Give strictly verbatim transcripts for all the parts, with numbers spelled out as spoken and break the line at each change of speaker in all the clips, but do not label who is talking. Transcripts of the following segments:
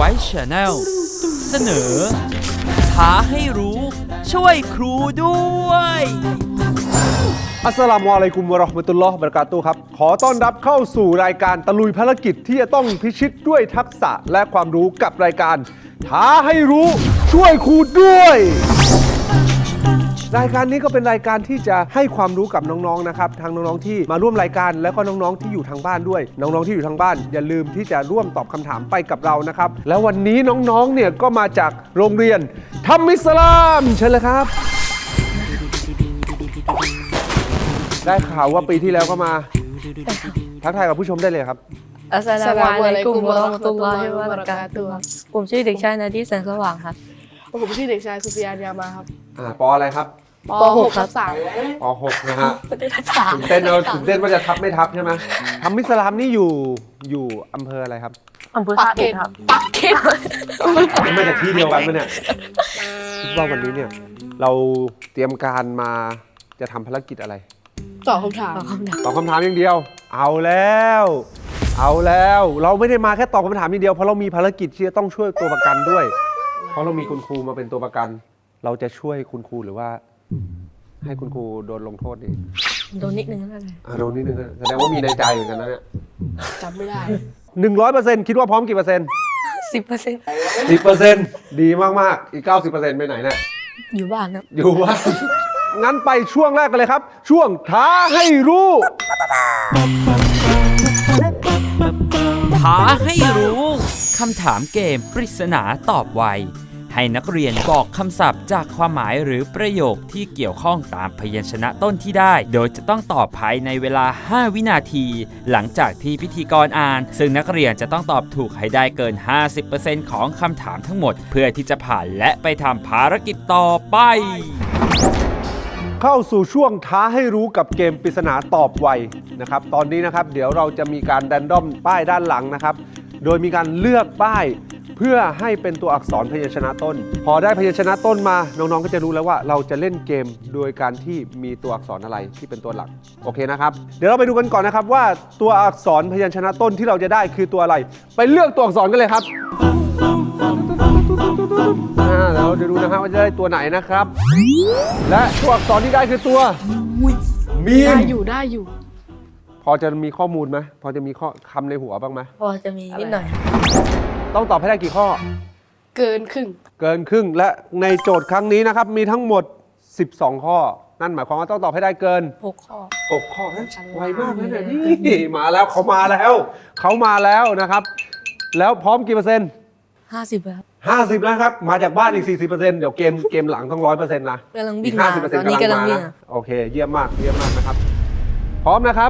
ว้ชาแนลเสนอท้าให้รู้ช่วยครูด้วย
อัสสลามุอะลัยกุมวะเราะห์มะตุลลอฮ์วะบะเราะกาตุฮ์ครับขอต้อนรับเข้าสู่รายการตะลุยภารกิจที่จะต้องพิชิตด้วยทักษะและความรู้กับรายการท้าให้รู้ช่วยครูด้วยรายการนี้ก็เป็นรายการที่จะให้ความรู้กับน้องๆนะครับทั้งน้องๆที่มาร่วมรายการแล้วก็น้องๆที่อยู่ทางบ้านด้วยน้องๆที่อยู่ทางบ้านอย่าลืมที่จะร่วมตอบคำถามไปกับเรานะครับแล้ววันนี้น้องๆเนี่ยก็มาจากโรงเรียนทัมมิสลามเชิญเลยครับได้ข่าวว่าปีที่แล้วก็มาทักทายกับผู้ชมได้เลยครับ
อัสสลามุอะลัยกุมวะเราะห์มะตุลลอฮิวะบะเราะกาตุฮ์ผมชื่อเด็กชายนาดีแสงสว่างครับ
ผมชื่อเด็กชายสุฟิยานยามาครับ
อ่าปออะไรครับ
ป .หก ครับสาม
ป .หก นะฮะตื่นเต้นเอาตื่นเต้นว่าจะทับไม่ทับใช่ไหมทัมมิสลามนี่อยู่อยู่อำเภออะไรครับ
อำเภอ
ปัก
ท่า
เก
เอ็
ร็
ด
ด
ครับ
ปักเกร็ด
ไม่จากที่เดียวกันไหมเนี่ยคิดว่าวันนี้เนี่ยเราเตรียมการมาจะทำภารกิจอะไร
ตอบคำถาม
ตอบคำถามอย่างเดียว เอาแล้ว เอาแล้วเราไม่ได้มาแค่ตอบคำถามอย่างเดียวเพราะเรามีภารกิจที่จะต้องช่วยตัวประกันด้วย เพราะเรามีคุณครูมาเป็นตัวประกัน เราจะช่วยคุณครูหรือว่า ให้คุณครูโดนลงโทษดี
โดนนิดนึงนั่นแหละ
อ่ะโดนนิดนึงนะแสดงว่ามีในใจเหมือนกันนะเนี่ย
จำไม่ได้
หนึ่งร้อยเปอร์เซ็นต์คิดว่าพร้อมกี่เปอร์เซ็นต์
สิบเปอร์เซ็นต์
สิบเปอร์เซ็นต์ดีมากๆอีกเก้าสิบเปอร์เซ็นต์ไปไหนเนี่ย
อยู่บ้านครับ
อยู่ว่า งั้นไปช่วงแรกกันเลยครับ ช่วงท้าให้รู้
ท้าให้รู้คำถามเกมปริศนาตอบไวให้นักเรียนบอกคำศัพท์จากความหมายหรือประโยคที่เกี่ยวข้องตามพยัญชนะต้นที่ได้ โดยจะต้องตอบภายในเวลาห้าวินาที หลังจากที่พิธีกรอ่านซึ่งนักเรียนจะต้องตอบถูกให้ได้เกิน ห้าสิบเปอร์เซ็นต์ ของคำถามทั้งหมด เพื่อที่จะผ่านและไปทำภารกิจต่อไป
เข้าสู่ช่วงท้าให้รู้กับเกมปริศนาตอบไวนะครับตอนนี้นะครับเดี๋ยวเราจะมีการแรนดอมป้ายด้านหลังนะครับโดยมีการเลือกป้ายเพื่อให้เป็นตัวอักษรพยัญชนะต้น พอได้พยัญชนะต้นมาน้องๆก็จะรู้แล้วว่าเราจะเล่นเกมโดยการที่มีตัวอักษรอะไรที่เป็นตัวหลักโอเคนะครับเดี๋ยวเราไปดูกันก่อนนะครับว่าตัวอักษรพยัญชนะต้นที่เราจะได้คือตัวอะไรไปเลือกตัวอักษรกันเลยครับอ่าเราจะดูนะครับว่าจะได้ตัวไหนนะครับและตัวอักษรที่ได้คือตัวมีม
ได้อยู่ได้อยู่
พอจะมีข้อมูลไหมพอจะมีข้อคำในหัวบ้างไหม
พอจะมีนิดหน่อย
ต้องตอบให้ได้กี่ข้อ
เกินครึ่ง
เกินครึ่งและในโจทย์ครั้งนี้นะครับมีทั้งหมดสิบสองข้อนั่นหมายความว่าต้องตอบให้ได้เกิน
หกข้อ
หกข้อนะไวมากเลยเนี่ยนี่มาแล้วเขามาแล้วเขามาแล้วนะครับ แล้วพร้อมกี่เปอร์เซ็นต์
ห้าสิบครับ
ห้าสิบแล้วครับมาจากบ้านอีกสี่สิบเปอร์เซ็นต์เดี๋ยวเกมเกมหลังต้องร้อยเปอร์เซ็นต์นะ
กำลังวิ่ง
อีก
มา
ห้าสิบเปอร์เซ็น
ตอ
ต์
นนี้กำลัง
มา
วิ่ง
นะ
อะ
โอเคเยี่ยมมากเยี่ยมมากนะครับ พร้อมนะครับ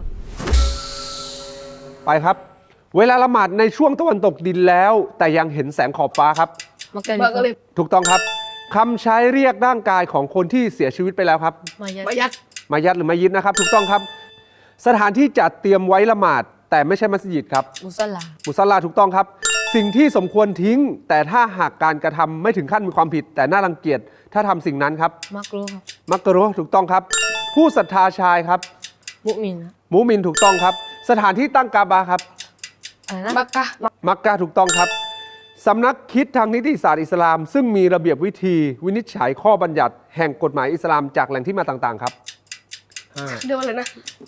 ไปครับ เวลาละหมาดในช่วงตะวันตกดินแล้ว แต่ยังเห็นแสงขอบฟ้าครับ
มักกะ
มันก็เลย
ถูกต้องครับคำใช้เรียกร่างกายของคนที่เสียชีวิตไปแล้วครับ
มายัด
ประหยัด
มายัดหรือมายิดนะครับ ถูกต้องครับ สถานที่จัดเตรียมไว้ละหมาด แต่ไม่ใช่มัสยิดครับ
มุสลา
มุสลาถูกต้องครับ สิ่งที่สมควรทิ้ง แต่ถ้าหากการกระทำไม่ถึงขั้นมีความผิด แต่น่ารังเกียจถ้าทำสิ่งนั้นครับ
มักรู้ครับ
มักกะรุถูกต้องครับ ผู้ศรัทธาชายครับ
มุมินครับ
มุมินถูกต้องครับ สถานที่ตั้งกาบาครับ
อะไรนะ
มักกะ
มักกะถูกต้องครับสำนักคิดทางนิติศาสตร์อิสลาม ซึ่งมีระเบียบวิธีวินิจฉัยข้อบัญญัติแห่งกฎหมายอิสลามจากแหล่งที่มาต่างๆครับห้า
เรียกว่าอะไรนะ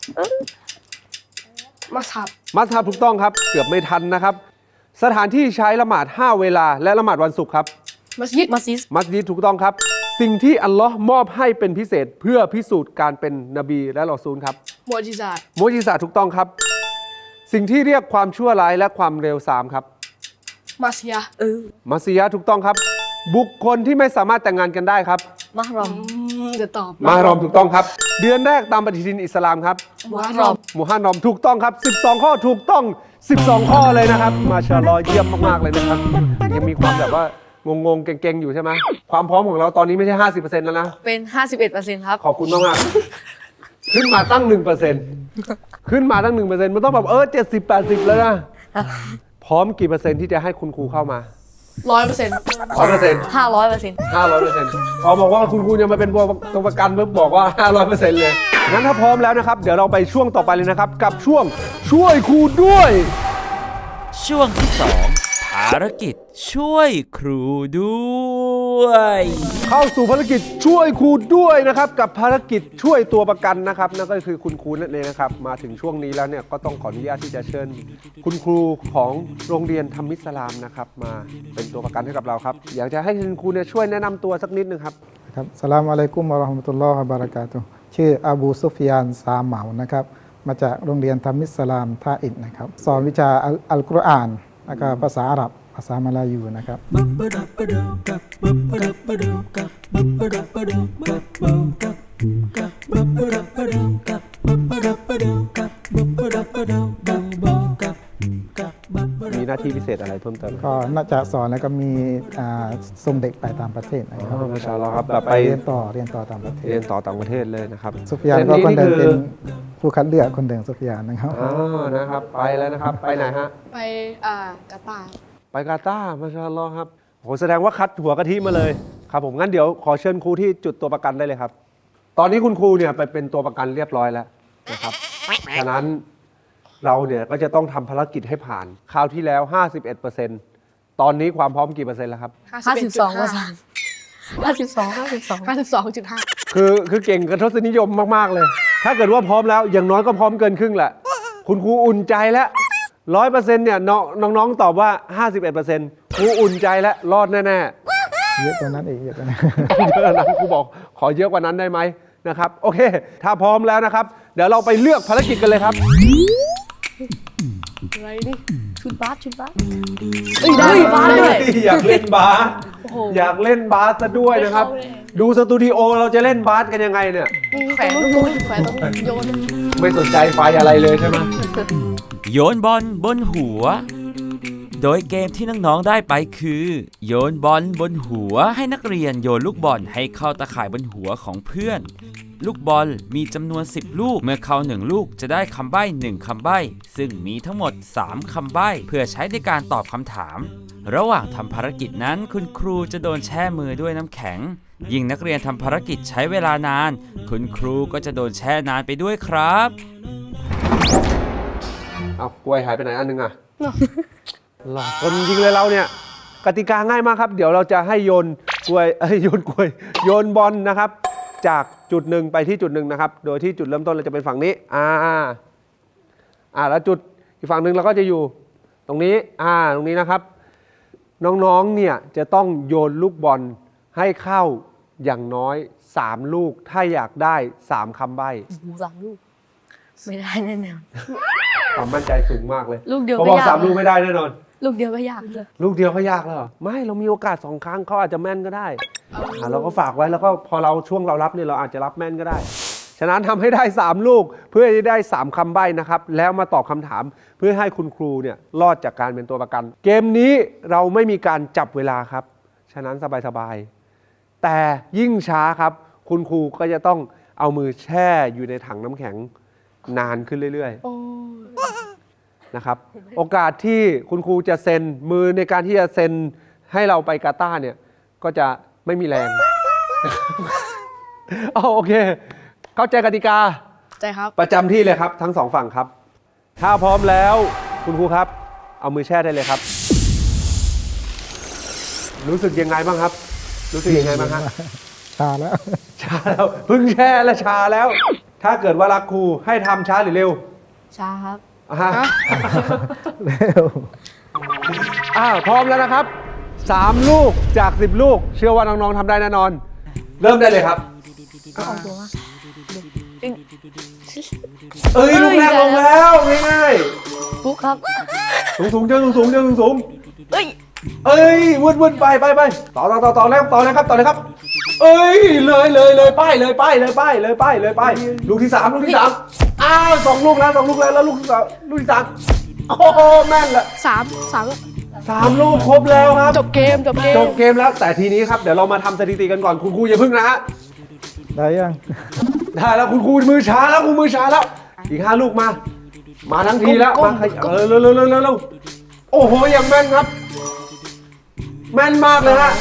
มัสฮับ
มัสฮับถูกต้องครับเกือบไม่ทันนะครับ สถานที่ใช้ละหมาดห้าเวลาและละหมาดวันศุกร์ครับ
มัสยิด
มัสยิด
มัสยิดถูกต้องครับ สิ่งที่อัลลอฮ์มอบให้เป็นพิเศษเพื่อพิสูจน์การเป็นนบีและรอซูลครับ
มอจิซาต
มุจิซาถูกต้องครับ สิ่งที่เรียกความชั่วร้ายและความเร็วสามครับ
มัสยา
เออ
มัสยิดถูกต้องครับ บุคคลที่ไม่สามารถแต่งงานกันได้ครับ
มะฮรอม
อืมจะตอบ
มารอมถูกต้องครับ เดือนแรกตามปฏิทินอิสลามครับ
มุฮัรรอม
มูฮันนอมถูกต้องครับสิบสองข้อถูกต้องสิบสองข้อเลยนะครับมาชาอัลลอฮ์เยี่ยมมากๆเลยนะครับยังมีความแบบว่างงๆเก่งๆอยู่ใช่ไหมความพร้อมของเราตอนนี้ไม่ใช่ ห้าสิบเปอร์เซ็นต์ แล้วนะ
เป็นห้าสิบเอ็ดเปอร์เซ็นต์ครับ
ขอบคุณมากๆขึ้นมาตั้ง หนึ่งเปอร์เซ็นต์ ขึ้นมาตั้ง หนึ่งเปอร์เซ็นต์ มันต้องแบบเออเจ็ดสิบ แปดสิบแล้วนะพร้อมกี่เปอร์เซ็นต์ที่จะให้คุณครูเข้ามา
ร้อยเปอร์เซ็นต์
ร้อยเปอร์เซ็นต์
ห้าร้อยเปอร์เซ็นต์
ห้าร้อยเปอร์เซ็นต์พอบอกว่าคุณครูจะมาเป็นตัวประกันเพิ่มบอกว่าห้าร้อยเปอร์เซ็นต์เลยงั้นถ้าพร้อมแล้วนะครับเดี๋ยวเราไปช่วงต่อไปเลยนะครับกับช่วงช่วยครูด้วย
ช่วงที่สองท้าารกิจช่วยครูด้วย
เข้าสู่ภารกิจช่วยครูด้วยนะครับกับภารกิจช่วยตัวประกันนะครับนั่นก็คือคุณครูนั่นเองนะครับมาถึงช่วงนี้แล้วเนี่ยก็ต้องขออนุญาตที่จะเชิญคุณครูของโรงเรียนธรรมิสลามนะครับมาเป็นตัวประกันให้กับเราครับอยากจะให้คุณครูเนี่ยช่วยแนะนำตัวสักนิดนึงครับ
ครับสลามอะลัยกุมวะเราะห์มะตุลลอฮ์วะบะเราะกาตุฮ์ชื่ออบูซุฟยานซาเหมานะครับมาจากโรงเรียนธรรมิสลามท่าอิฐนะครับสอนวิชาอัลอัลกุรอานแล้วก็ภาษาอาหรับภาษามลายูนะครับ
มีหน้าที่พิเศษอะไรเพิ่มเติม
ก็น่าจะสอนแล้วก็มีอ่าส่งเด็กไปต่างประเทศนะครับ
มาชาอัลลอฮ์ครับแบบไป
เรียนต่อเรียนต่อต่างประเทศ
เรียนต่อต่างประเทศเลยนะครับ
ซุฟยานก็คนเดิม
นี่
เป็น
คือ
ผู้คัดเลือกคนเดิมซุฟยานนะครับ
อ่านะครับไปแล้วนะครับไปไหนฮะ
ไปอ่ากาตาร์
ไปกาตาร์มาชาอัลลอฮ์ครับโหแสดงว่าคัดหัวกะทิมาเลยครับผมงั้นเดี๋ยวขอเชิญครูที่จุดตัวประกันได้เลยครับ ตอนนี้คุณครูเนี่ยไปเป็นตัวประกันเรียบร้อยแล้วนะครับฉะนั้นเราเนี่ยก็จะต้องทำภารกิจให้ผ่านคราวที่แล้ว ห้าสิบเอ็ดเปอร์เซ็นต์ ตอนนี้ความพร้อมกี่เปอร์เซ็นต์แล้วครับ
ห้าสิบสองเปอร์เซ็นต์ห้าสิบสองห้าสิบสอง
ห้าสิบสองจุดห้า
คือคือเก่งกับทศนิยมมากๆเลย ถ้าเกิดว่าพร้อมแล้วอย่างน้อยก็พร้อมเกินครึ่งแหละคุณครูอุ่นใจแล้วร้อยเปอร์เซ็นต์เนี่ยน้องน้องๆตอบว่า ห้าสิบเอ็ดเปอร์เซ็นต์ครูอุ่นใจแล้วรอดแน่ๆ
เยอะกว่านั้นอีกเยอะกว่านั้น
ต้องเยอะนะครูบอกขอเยอะกว่านั้นได้ไหมนะครับโอเค ถ้าพร้อมแล้วนะครับ เดี๋ยวเราไปเลือกภารกิจกันเลยครับ
อะไรนี่
ชุดบาสชุดบาส
เอ้ยได้บ้านด้วย
อยากเล่นบาส
โอ้โห
อยากเล่นบาสซะด้วยนะครับ ดูสตูดิโอเราจะเล่นบาสกันยังไงเนี่ย
แขวนตรงนู้นแขวนตรงนู้นโยน
ไม่สนใจไฟอะไรเลยใช่ไหม
โยนบอลบนหัว โดยเกมที่น้องๆได้ไปคือ โยนบอลบนหัวให้นักเรียนโยนลูกบอลให้เข้าตะข่ายบนหัวของเพื่อน ลูกบอลมีจำนวนสิบลูกเมื่อเข้าหนึ่งลูกจะได้คำใบ้หนึ่งคำใบ้ซึ่งมีทั้งหมดสามคำใบ้เพื่อใช้ในการตอบคำถาม ระหว่างทำภารกิจนั้นคุณครูจะโดนแช่มือด้วยน้ำแข็ง ยิ่งนักเรียนทำภารกิจใช้เวลานาน คุณครูก็จะโดนแช่นานไปด้วยครับ
เอากล้วยหายไปไหนอันนึงอ่ะหลอกคนจริงเลยเราเนี่ยกติกาง่ายมากครับ เดี๋ยวเราจะให้โยนกล้วยเอ้ยโยนกล้วยโยนบอลนะครับ จากจุดหนึ่งไปที่จุดหนึ่งนะครับ โดยที่จุดเริ่มต้นเราจะเป็นฝั่งนี้อ่าอ่าแล้วจุดอีกฝั่งหนึ่งเราก็จะอยู่ตรงนี้อ่าตรงนี้นะครับ น้องๆเนี่ยจะต้องโยนลูกบอลให้เข้าอย่างน้อยสามลูกถ้าอยากได้สามคำใบ้
สามลูกไม่ได้แน่นอน
ความมั่นใจสูงมากเลย
ลูกเดียว
พอ
ก็
บอก
ยาก
สามลูกไม่ได้แน่นอน
ลูกเดียวก็ยากเลย
ลูกเดียวก็ยากแล้วเหรอไม่เรามีโอกาสสองครั้งเขาอาจจะแม่นก็ได้อ่ะเราก็ฝากไว้แล้วก็พอเราช่วงเรารับเนี่ยเราอาจจะรับแม่นก็ได้ ฉะนั้นทำให้ได้สามลูกเพื่อจะได้สามคำใบ้นะครับแล้วมาตอบคำถามเพื่อให้คุณครูเนี่ยรอดจากการเป็นตัวประกัน เกมนี้เราไม่มีการจับเวลาครับฉะนั้นสบายๆแต่ยิ่งช้าครับคุณครูก็จะต้องเอามือแช่อยู่ในถังน้ำแข็งนานขึ้นเรื่อยๆ
โอ้
นะครับโอกาสที่คุณครูจะเซ็นมือในการที่จะเซ็นให้เราไปกาตาร์เนี่ยก็จะไม่มีแรง อ๋อโอเค เข้าใจกติกา
ใจครับ
ประจำที่เลยครับทั้งสองฝั่งครับ ถ้าพร้อมแล้วคุณครูครับ เอามือแช่ได้เลยครับ รู้สึกยังไงบ้างครับ รู้สึกยังไงบ้างฮะ
ชาแล้ว
ชาแล้วเพิ่งแช่และชาแล้ว ถ้าเกิดว่ารักครูให้ทำช้าหรือเร็ว
ช้าครับ
อ่ะฮะ
เร็ว
อ้าวพร้อมแล้วนะครับสามลูกจากสิบลูก เชื่อว่าน้องๆทำได้แน่นอน เริ่มได้เลยครับ
เอาตัวมา
เอ้ยลูกแรกลงแล้วง่าย
ปุ๊กครับ
ๆสูงสูงๆเจอสูงสูงๆเจอสูงสูง
เอ้ย
ๆเอ้ยวุ่นวุ่นๆไปไปไปต่อต่อต่อต่อแล้วต่อเลยครับต่อเลยครับ เอ้ยเลยเลยเลยป้ายเลยป้ายเลยป้ายเลยป้ายเลยป้ายลูกที่สามลูกที่สามอ้าวสองลูกแล้วสองลูกแล้วแล้วลูกที่สามลูกที่สามโอ้โหแม่นละ
สามสาม
สามลูกครบแล้วครับ
จบเกมจบเกม
จบเกมแล้วแต่ทีนี้ครับเดี๋ยวเรามาทำสถิติกันก่อนคุณครูอย่าพึ่งนะฮะ
ได้ยัง
ได้แล้วคุณครูมือช้าแล้วคุณมือช้าแล้ว อีกห้าลูกมา มาทั้งทีแล้วมาขยเออเร็วเร็วเร็วเร็วเร็วโอ้โหอย่างแม่นครับ แม่นมากเลยฮะ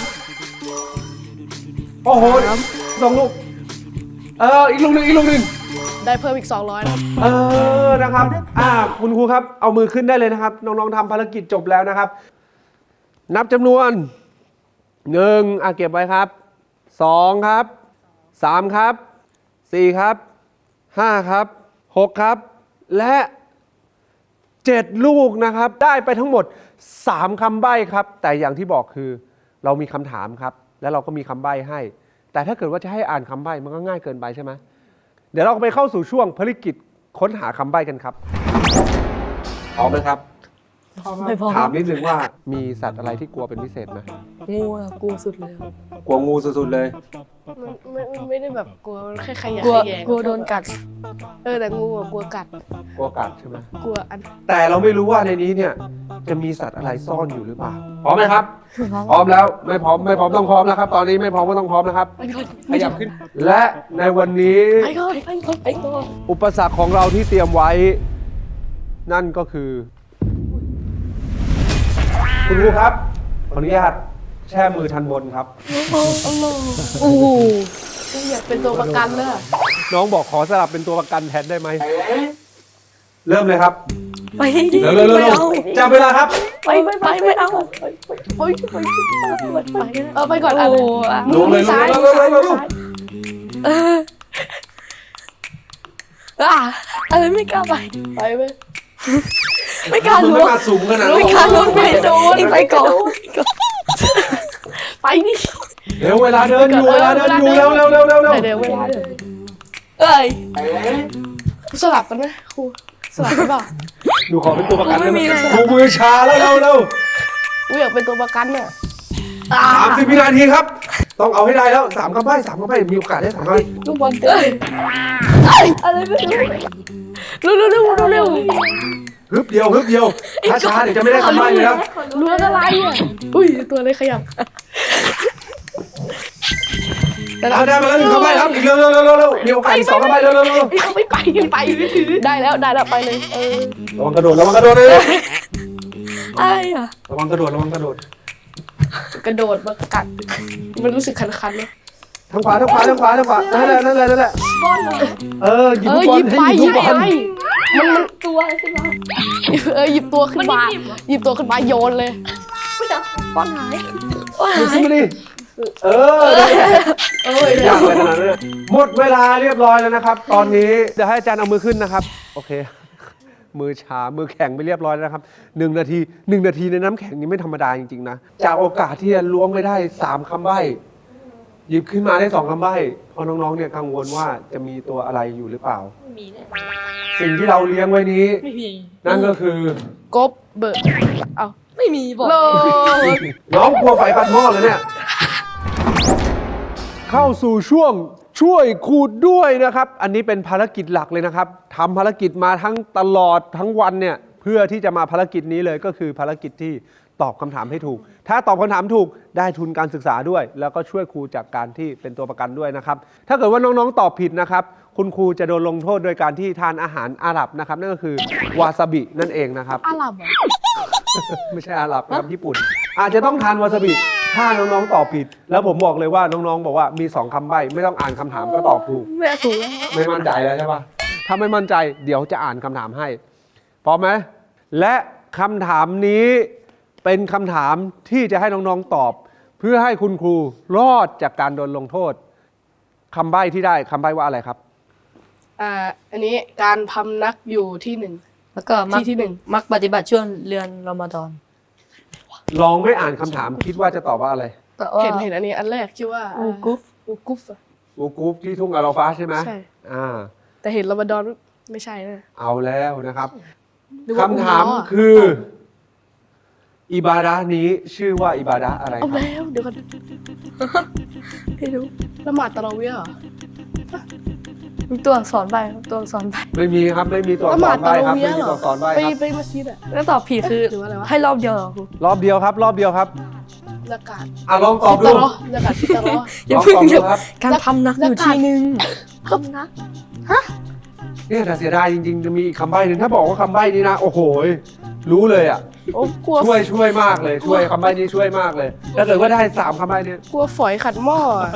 โอ้โหสองลูกเอออีกลูกหนึ่งอีกลูกหนึ่ง
ได้เพิ่มอีกสองร้อยนะครับ
เออนะครับอ่าคุณครูครับเอามือขึ้นได้เลยนะครับ น้องๆทำภารกิจจบแล้วนะครับนับจำนวนหนึ่งอ่ะเก็บไว้ครับสองครับสามครับสี่ครับห้าครับหกครับและเจ็ดลูกนะครับได้ไปทั้งหมดสามคำใบ้ครับแต่อย่างที่บอกคือเรามีคำถามครับแล้วเราก็มีคำใบ้ให้แต่ถ้าเกิดว่าจะให้อ่านคำใบ้มันก็ง่ายเกินไปใช่ไหมเดี๋ยวเราไปเข้าสู่ช่วงภารกิจค้นหาคำใบ้กันครับพร้อมไหมครับ
ไม่พอ
ถามนิดนึงว่ามีสัตว์อะไรที่กลัวเป็นพิเศษไหม
งูอะกลัวสุดเลยครับ
กลัวงูสุดๆเลย
มันไม่ไม่ได้แบบกลัวมันแค่ขยะ
กลัว
แขยง
กลัวโดนกัด
เออแต่งูอะกลัวกัด
กลัวกัดใช่ไหม
กลัวอัน
แต่เราไม่รู้ว่าในนี้เนี่ยจะมีสัตว์อะไรซ่อนอยู่หรือเปล่าพร้อมไหมครับ พร้อมแล้วไม่พร้อมไม่พร้อมต้องพร้อมนะครับ ตอนนี้ไม่พร้อมก็ต้องพร้อมนะครับ
ไปก่อน
ขยับขึ้น และในวันนี้
ไปก่อนไปก่อนไปก่อน
อุปสรรคของเราที่เตรียมไว้ นั่นก็คือ คุณครูครับขออนุญาตแช่มือทันบนครับ
โอ้โห
อยากเป็นตัวประกันเลย
น้องบอกขอสลับเป็นตัวประกันแทนได้ไหมเริ่มเลยครับ
ไปดิ
เร็วเร็วเร็ว
ไม่
เร็ว
เอา
จับเวลาครับ
ไปไปไปไม่เอา
โอ้ยไปไปเออไปก่อนอัน
โอ้โหอะ
ลงเลยลง
ซ้าย
เลยลงเลยลงเลย
ซ้าย
เอออ่ะอะไรไม่กล้าไป
ไปไป
ไม่กล้า
มึง
รู้
ไม่มาสูงขนาดนั้น
ไม่กล้ารู้ไม่โดนไปก่อน
ไปนี่
เร็วเวลาเดินอยู่เวลาเดินอยู่เร็วเร็วเร็วเร็วเร็ว
เดี๋ยวเวลาเดิน
เอ้ย
สลับกันไหมครูสลับกันเปล่า
หนูขอเป็นตัวประกันได้ไหม
ไม่มีเลย
ครูมือชาแล้วเร็วเร็ว
กูอยากเป็นตัวประกันเนี่ย
สามสิบวินาทีครับ ต้องเอาให้ได้แล้วสามคำใบ้สามคำใบ้มีโอกาสได้สามคำใบ้
ลูกบอลเตะอะไรไม่รู้เร็วเร็วเร็วเร็ว
ฮึบเดียวฮึบเดียวช้าช้าๆเดี๋ยวจะไม่ได้คำใบ้เลยนะ
รู้แล้วอะไรอ่ะอุ้ยตัวอะไรขยับ
เอาได้มาแล้วหนึ่งคำใบ้ครับอีกเร็วเร็วเร็วเร็วเร็วมีโอกาสอีกสองคำใบ้เร็วเร็วเร็ว
ไม่ไปยังไปไม่ถือได้แล้วได้แล้วไปเลยเออ
ระวังกระโดดระวังกระโดดเลย
อะไรอ่ะ
ระวังกระโดดระวังกระโดด
กระโดดมากัดมันรู้สึกคันๆเลย
ทางขวาทางขวาทางขวาทางขวานั่นแหละนั่นแหละนั่นแหละเออหยิบ
เอ
ลู
อก
บอ
หยิ
ล
บ
ให้
ไป
ห
ห
ยิ
ยิ
บบ ลูกบ
ไป
อล
มันมัน
ตัวอะไรขึ้นมา
เออหยิบตัวขึ้นมาหยิบตัวขึ้นมาโยนเลย
ไม่จับป้อนหายป้อน
หยิบ
หา
ขึ้
ย
นมาดิเออ
เออ
อยากอะไรขนาดนั้นเนี่ยหมดเวลาเรียบร้อยแล้วนะครับ ตอนนี้เดี๋ยวให้อาจารย์เอามือขึ้นนะครับ โอเค มือชา มือแข็งไปเรียบร้อยแล้วนะครับหนึ่งนาทีหนึ่งนาทีในน้ำแข็งนี้ไม่ธรรมดาจริงๆนะ จากโอกาสที่จะล้วงไปได้สามคำใบ้หยิบขึ้นมาได้สองคำใบ้เพราะน้องๆเนี่ยกังวลว่าจะมีตัวอะไรอยู่หรือเปล่า
ไม่มีเลย
สิ่งที่เราเลี้ยงไว้นี้
ไม่มี
นั่นก็คือก
บเบิร์เอา
ไม่มีบอก
โล
น้องกลัวไฟปัดหม้อเลยเนี่ย เข้าสู่ช่วงช่วยขูดด้วยนะครับ อันนี้เป็นภารกิจหลักเลยนะครับทำภารกิจมาทั้งตลอดทั้งวันเนี่ยเพื่อที่จะมาภารกิจนี้เลยก็คือภารกิจที่ตอบคำถามให้ถูก ถ้าตอบคำถามถูกได้ทุนการศึกษาด้วย แล้วก็ช่วยครูจากการที่เป็นตัวประกันด้วยนะครับ ถ้าเกิดว่าน้องๆตอบผิดนะครับ คุณครูจะโดนลงโทษโดยการที่ทานอาหารอาหรับนะครับ นั่นก็คือวาซาบินั่นเองนะครับ
อาหรับอ่ะ
ไม่ใช่อาหรับนะครับญี่ปุ่น อาจจะต้องทานวาซาบิถ้าน้องๆตอบผิด แล้วผมบอกเลยว่าน้องๆบอกว่ามีสองคำใบ้ไม่ต้องอ่านคำถามก็ตอบถูก
แม่ถูกแล้ว
ไม่มั่นใจแล้วใช่ปะถ้าไม่มั่นใจเดี๋ยวจะอ่านคำถามให้พร้อมไหมและคำถามนี้เป็นคำถามที่จะให้น้องๆตอบ เพื่อให้คุณครูรอดจากการโดนลงโทษคำใบ้ที่ได้คำใบ้ว่าอะไรครับ
อ่าอันนี้การพำนักอยู่ที่หนึ่ง
แล้วก็มัก
ที่ที่หนึ่ง
มักปฏิบัติช่วงเรือนรอมฎอน
ลองไม่อ่านคำถามคิดว่าจะตอบว่าอะไร
แต่ว่า
เห็นเห็นอันนี้อันแรกคิดว่า
อูกุฟ
อูกุฟอะ
อูกูฟที่ทุ่งอาราฟาใช่ไหม
ใช่
อ่า
แต่เห็นรอมฎอนไม่ใช่นะ
เอาแล้วนะครับ
นึกว่
คำถาม
อุลอ
คือ อิบาดะห์นี้ชื่อว่าอิบาดะห์อะไรค
เอา
รับ
แล้วเดี๋ยวก่อน
ไม่รู้
ละหมาดตะเราะเวียเหรอ
มีตัวอักษรใบตัวอักษรใบ
ไม่มีครับไม่มีตัวอั
ละ
ก
ห
ษ
มาด
รใบ
ตะเราะ
ครับ
เวี
ไม่
ย
มี
เหร
ตัว
อ
อักษรใบ
ไป
ครับ
ไปมัสยิดอะ
แล้วตอบผิดคือ
หรือว่าอะไรวะ
ให้รอบเดียวเหรอครู
รอบเดียวครับ รอบเดียวครับ
ละกาด
อ่ะลองตอบ
ตะ
ดู
เราะละกาดตะเราะ
อย่าเพิ่ง
ลองตอบดู
อย่า
ครับ
การพำนักอยู่ที่หนึ่ง
พำนัก
เนี่ยแต่เสียดายจริงๆจะมีอีกคำใบ้หนึ่งถ้าบอกว่าคำใบ้นี้นะโอ้โหรู้เลยอ่ะ
โอ้กลัว
ช่วยช่วยมากเลยช่วยคำใบ้นี้ช่วยมากเลยถ้าเกิดว่าได้สามคำใบ้เนี่ย
กลัวฝอยขัดหม้ออะ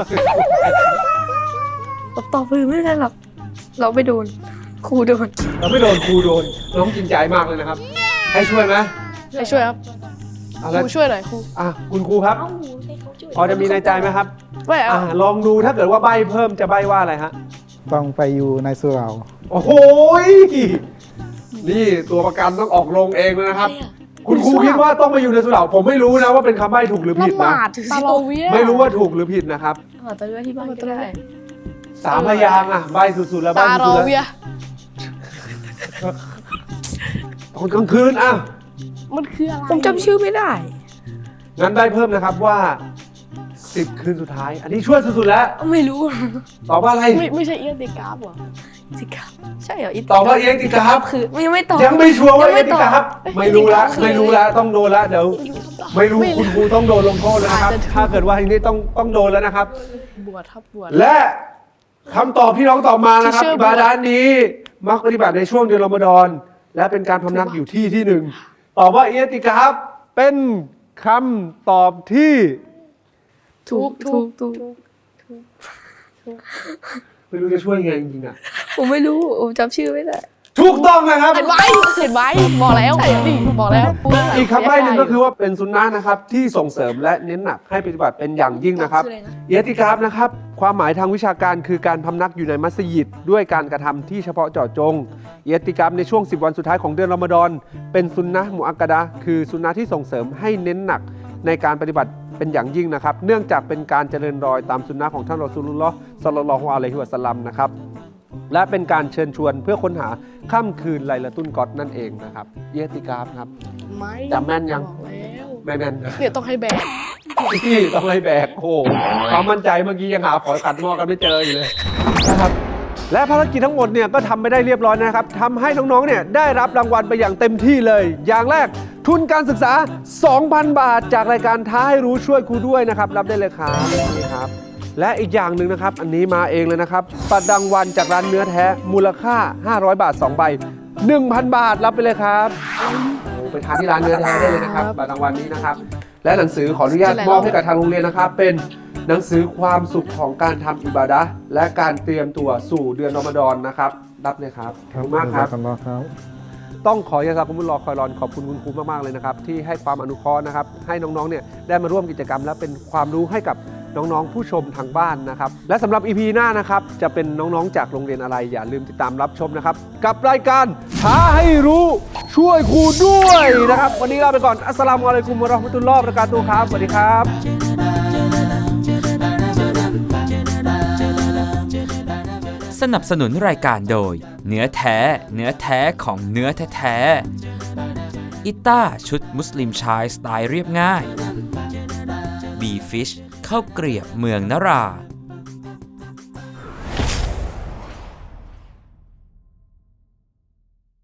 ตอบตอบคือไม่ได้หรอกเราไม่โดนครูโดน
เราไม่โดนครูโดนน้องจริงใจมากเลยนะครับ ให้ช่วยไหม
ให้ช่วยครับ
เอา
ค
ละ
รูช่วยหน่อยครู
อ่ะคุณครูครับ พอจะมีในใจไหมครับ
ไม่เอา
อ่ะลองดูถ้าเกิดว่าใบเพิ่มจะใบว่าอะไรฮะ
ต้องไปอยู่ในสุเหรา
โอ้โหยนี่ตัวประกันต้องออกลงเองเลยนะครับ คุณครูคิดว่าต้องไปอยู่ในสุเหร่าผมไม่รู้นะว่าเป็นคำใบ้ถูกหรือผิด
ละห
นะ
มาดตาโลเวีย
ไม่รู้ว่าถูกหรือผิดนะครับ
ขอตัวด้วยที่บ้านก็ได้
สามพยางค์อ่ะใบสุดๆแล้วใบ
ตาโล
สุดๆ
เวี
แล้
ยว
ตอนกลางคืนอ่ะ
มันคืออะไร
ผมจำชื่อไม่ได้
งั้นใบเพิ่มนะครับว่าสิบคืนสุดท้าย อันนี้ช่วยสุดๆแล้ว
ไม่รู้
ตอบว่าอะไร
ไม่ไม่ใช่เอียติกราฟเหรอ
สิครับใช่เหรออี
ตอบว่าเอ็กติกราฟ
คือยังไม่ตอบ
ยังไม่ชัวร์ว่า
ยัง
เอ็
ไม่
กติ
ตอบ
กราฟไม่รู้ละไม่รู้ละต้องโดนละเดี๋ยวไม่รู้คุณครูต้องโดนลงโทษแล้วนะครับ ถ้าเกิดว่าทีนี้ต้องต้องโดนแล้วนะครับ
บวชครับบวช
และคำตอบที่น้องตอบมานะครับ
ที่เชื่อ
อิบาดานี้ มักปฏิบัติในช่วงเดือนรอมฎอน และเป็นการพำนักอยู่ที่ที่หนึ่งตอบว่าเอติกาฟเป็นคำตอบที่
ถูกถูกถูก
ไม่รู้จะช่วยไงจริงๆอ่ะ
ผมไม่รู้ผมจำชื่อไม่ได้
ถูกต้องนะครับ
เห็นไหมเห็นไหมบอกแล้วนี่บอกแล้ว
อีกคำใบ้หนึ่งก็คือว่าเป็นสุนนะนะครับที่ส่งเสริมและเน้นหนักให้ปฏิบัติเป็นอย่างยิ่งนะครับ
ชื่ออะไรนะ
เอติกาฟนะครับความหมายทางวิชาการคือการพำนักอยู่ในมัสยิดด้วยการกระทำที่เฉพาะเจาะจงเอติกาฟในช่วงสิบวันสุดท้ายของเดือนรอมฎอนเป็นสุนนะมุอักกะดะห์คือสุนนะที่ส่งเสริมให้เน้นหนักในการปฏิบัติเป็นอย่างยิ่งนะครับเนื่องจากเป็นการเจริญรอยตามสุนนะของท่านรอซูลุลลอฮ์ศ็อลลัลลอฮุอะลัยฮิวะซัลลัมนะครับและเป็นการเชิญชวนเพื่อค้นหาค่ำคืนไลลาตุลกอดนั่นเองนะครับเอติกาฟครับ
ไม่
จำแม่นยัง
บอกแล้ว
ไม่แม่นนะ
เนี่ยต้องให้แบก
ที่ต้องไล่แบกโอ้โหความมั่นใจเมื่อกี้ยังหาฝอยกัดหม้อกันไม่เจออยู่เลยนะครับและภารกิจทั้งหมดเนี่ยก็ทำไปได้เรียบร้อยนะครับทำให้น้องๆเนี่ยได้รับรางวัลไปอย่างเต็มที่เลย อย่างแรกทุนการศึกษา สองพัน บาท จากรายการท้าให้รู้ช่วยครูด้วยนะครับรับได้เลยครับนี่ครับและอีกอย่างหนึ่งนะครับอันนี้มาเองเลยนะครับบัตรรางวัลจากร้านเนื้อแท้มูลค่า ห้าร้อย บาทสองใบ หนึ่งพัน บาทรับไปเลยครับไปทานที่ร้านเนื้อแท้ได้เลยนะครับบัตรรางวัลนี้นะครับและหนังสือขออนุญาตมอบให้กับทางโรงเรียนนะครับเป็นหนังสือความสุขของการทำอิบาดะห์และการเตรียมตัวสู่เดือนรอมฎอนนะครับรับเลยครับขอบคุณมากครับ
อัลลอฮ์ครับ
ต้องขอยาซากุมุลลอฮ์คอยรอนขอบคุณคุณครูมากๆเลยนะครับที่ให้ความอนุเคราะห์นะครับให้น้องๆเนี่ยได้มาร่วมกิจกรรมและเป็นความรู้ให้กับน้องๆผู้ชมทางบ้านนะครับและสำหรับ อี พี หน้านะครับจะเป็นน้องๆจากโรงเรียนอะไรอย่าลืมติดตามรับชมนะครับกับรายการท้าให้รู้ช่วยครูด้วยนะครับวันนี้ลาไปก่อนอัสสลามุอะลัยกุมวะเราะห์มะตุลลอฮ์วะบะเราะกาตุฮ์ครับสวัสดีครับ
สนับสนุนรายการโดย เนื้อแท้ เนื้อแท้ของเนื้อแท้ๆอิต้าชุดมุสลิมชายสไตล์เรียบง่าย บีฟิชข้าวเกรียบเมืองนรา